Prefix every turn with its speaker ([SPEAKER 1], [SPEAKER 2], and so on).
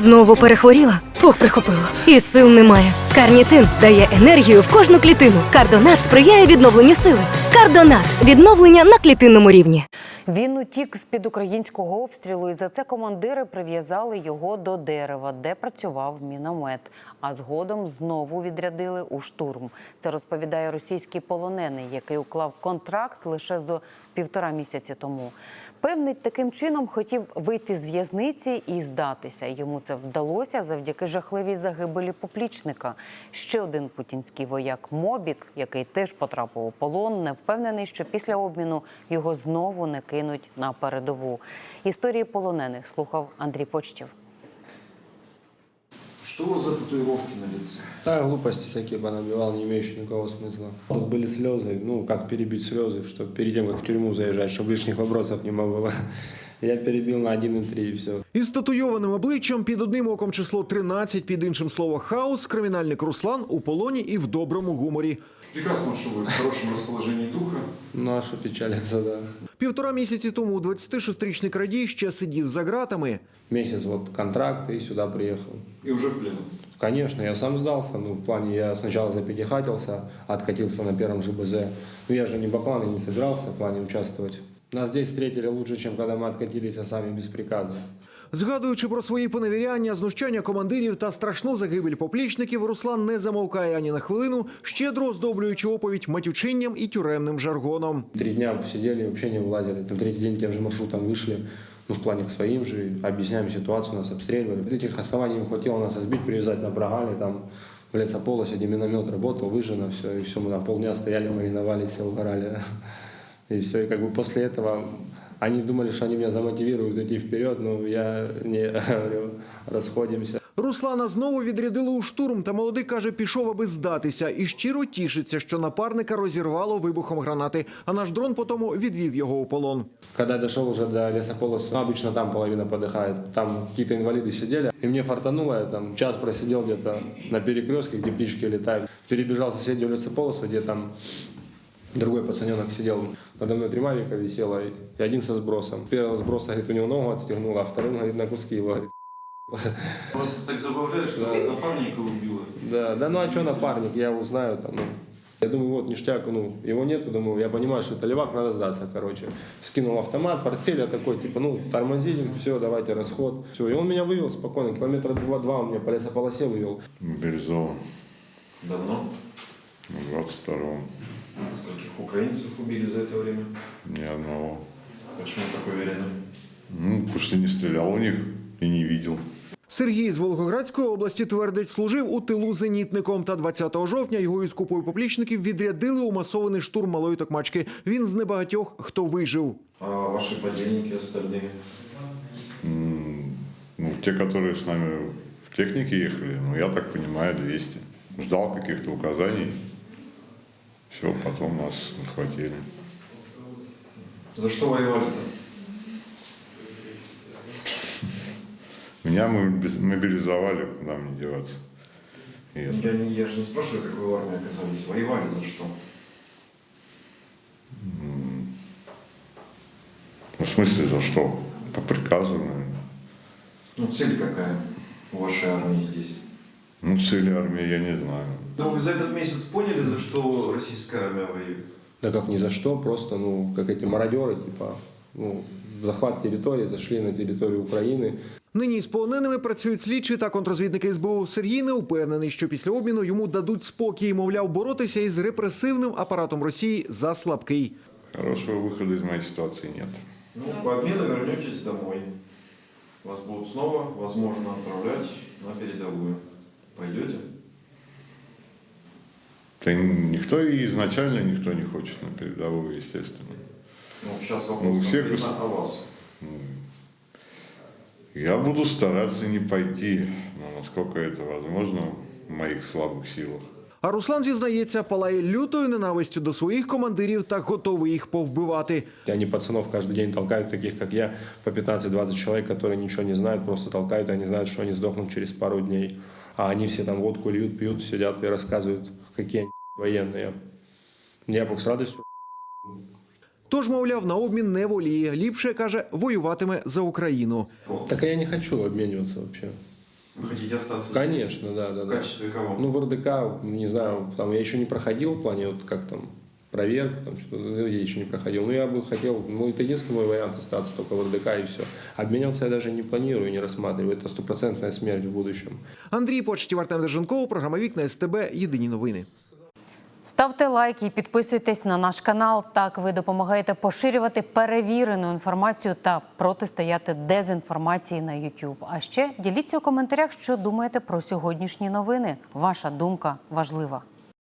[SPEAKER 1] Знову перехворіла? Фух, прихопило. І сил немає. Карнітин дає енергію в кожну клітину. Кардонат сприяє відновленню сили. Кардонат – відновлення на клітинному рівні.
[SPEAKER 2] Він утік з-під українського обстрілу, і за це командири прив'язали його до дерева, де працював міномет. А згодом знову відрядили у штурм. Це розповідає російський полонений, який уклав контракт лише за 1,5 місяці тому. Певний, таким чином хотів вийти з в'язниці і здатися. Йому це вдалося завдяки жахливій загибелі поплічника. Ще один путінський вояк Мобік, який теж потрапив у полон, не впевнений, що після обміну його знову не кинуть на передову. Історії полонених слухав Андрій Почтів.
[SPEAKER 3] Что у вас за татуировки на лице?
[SPEAKER 4] Да, глупости всякие понабивал, не имеющие никакого смысла. Тут были слезы, ну, как перебить слезы, чтобы перед тем, как в тюрьму заезжать, чтобы лишних вопросов не было. Я перебил на 1,3 и все.
[SPEAKER 5] Із татуйованим обличчям, під одним оком число 13, під іншим слово «хаос», кримінальник Руслан у полоні і в доброму гуморі.
[SPEAKER 3] Прекрасно, что вы в хорошем расположении духа.
[SPEAKER 4] Ну, а что печалиться, да.
[SPEAKER 5] 1,5 місяці тому 26-річний крадій ще сидів за ґратами.
[SPEAKER 4] Месяц вот контракт и сюда приехал.
[SPEAKER 3] И уже в плену.
[SPEAKER 4] Конечно, я сам сдался, ну, в плане я сначала запятихатился, откатился на первом ЖБЗ. Ну, я же не Баклан и не собирался в плане участвовать. Нас здесь встретили лучше, чем когда мы откатились сами без приказа.
[SPEAKER 5] Згадуючи про свої поневіряння, знущання командирів та страшну загибель поплічників, Руслан не замовкає ані на хвилину, щедро оздоблюючи оповідь матючинням і тюремним жаргоном.
[SPEAKER 4] 3 дня посидели, вообще не вылазили. На 3-й день тем же маршрутом вышли, ну, в плане к своим же, объясняем ситуацию, нас обстреливали. Этих оснований не хватило нас избить, привязать на прогале, там, в лесополосе, где миномет работал, выжжено все, и все, мы там полдня стояли, мариновались, все угорали. И все, и как бы после этого они думали, что они меня замотивируют идти вперед, но я не говорю, расходимся.
[SPEAKER 5] Руслана знову відрядили у штурм, та молодик каже, пішов, аби здатися. І щиро тішиться, що напарника розірвало вибухом гранати, а наш дрон потому відвів його у полон.
[SPEAKER 4] Когда я дошел уже до лесополоса, обычно там половина подыхает, там какие-то инвалиды сидели, и мне фартануло, я там час просидел где-то на перекрестке, где птички летают, перебежал в соседнюю лесополосу, где там другой пацаненок сидел, надо мной 3 мавика висело, и один со сбросом. Первого сброса, говорит, у него ногу отстегнуло, а вторым, говорит, на куски его, говорит.
[SPEAKER 3] Вас так забавляет, что вас напарника убило?
[SPEAKER 4] Да, ну а что напарник, я его знаю там, ну. Я думаю, вот ништяк, ну, его нету, думаю, я понимаю, что это левак, надо сдаться, короче. Скинул автомат, портфель, я такой, типа, ну, тормозим, все, давайте расход. Все, и он меня вывел спокойно, километра 2 он меня по лесополосе вывел.
[SPEAKER 6] Мобилизован.
[SPEAKER 3] Давно?
[SPEAKER 6] В 22-м.
[SPEAKER 3] Скольких украинцев убили за это время?
[SPEAKER 6] Ни одного.
[SPEAKER 3] Почему так уверены?
[SPEAKER 6] Ну, потому что не стрелял у них и не видел.
[SPEAKER 5] Сергій з Волгоградської області твердить, служив у тилу зенітником. Та 20 жовтня його із купою поплічників відрядили у масований штурм Малої Токмачки. Він з небагатьох, хто вижив.
[SPEAKER 3] А ваши подельники остальные?
[SPEAKER 6] Ну, те, которые с нами в технике ехали, ну, я так понимаю, 200. Ждал каких-то указаний. Все, потом нас захватили.
[SPEAKER 3] За что воевали-то?
[SPEAKER 6] Меня мобилизовали, куда мне деваться. И это.
[SPEAKER 3] Я же не спрашиваю, как вы в армии оказались. Воевали за что?
[SPEAKER 6] В смысле, за что? По приказу, наверное.
[SPEAKER 3] Ну, цель какая у вашей армии здесь?
[SPEAKER 6] Ну, цели армии я не знаю.
[SPEAKER 3] Ну, вы за этот месяц поняли, за что российская армия воюет?
[SPEAKER 4] Да как ни за что, просто, ну, как эти мародеры, типа, ну, захват территории, зашли на территорию Украины.
[SPEAKER 5] Нині з полоненими працюють слідчі та контрозвідники СБУ. Сергій не впевнений, що після обміну йому дадуть спокій. Мовляв, боротися із репресивним апаратом Росії за слабкий.
[SPEAKER 6] Хорошего выхода из моей ситуации нет.
[SPEAKER 3] Ну, по обмену вернетесь домой. Вас будут снова, возможно, отправлять на передовую. Пойдете?
[SPEAKER 6] Да никто и изначально никто не хочет на передовую, естественно.
[SPEAKER 3] Ну, сейчас вопрос
[SPEAKER 6] Ну, у всех
[SPEAKER 3] конкретно о вас.
[SPEAKER 6] Я буду стараться не пойти, но насколько это возможно в моих слабых силах.
[SPEAKER 5] А Руслан, зізнається, палає лютою ненавистю до своїх командирів та готовий їх повбивати.
[SPEAKER 4] Они пацанов каждый день толкают, таких как я, по 15-20 человек, которые ничего не знают, просто толкают, и они знают, что они сдохнут через пару дней. А они все там водку льют, пьют, сидят и рассказывают, какие они военные. Я бы с радостью.
[SPEAKER 5] Тож, мовляв, на обмін не воліє. Ліпше, каже, воюватиме за Україну.
[SPEAKER 4] Так а я не хочу обмениваться вообще.
[SPEAKER 3] Вы хотите остаться здесь?
[SPEAKER 4] Конечно, да.
[SPEAKER 3] В качестве кого?
[SPEAKER 4] Ну, в РДК, не знаю, там я еще не проходил в плане, вот как там, проверку, там что-то, я еще не проходил. Но я бы хотел, ну, это единственный мой вариант остаться только в РДК и все. Обменяться я даже не планирую, не рассматриваю. Это стопроцентная смерть в будущем.
[SPEAKER 5] Андрій Почтів, Артем Деженков, програма «Вікна СТБ». Єдині новини.
[SPEAKER 2] Ставте лайки і підписуйтесь на наш канал. Так ви допомагаєте поширювати перевірену інформацію та протистояти дезінформації на YouTube. А ще діліться у коментарях, що думаєте про сьогоднішні новини. Ваша думка важлива.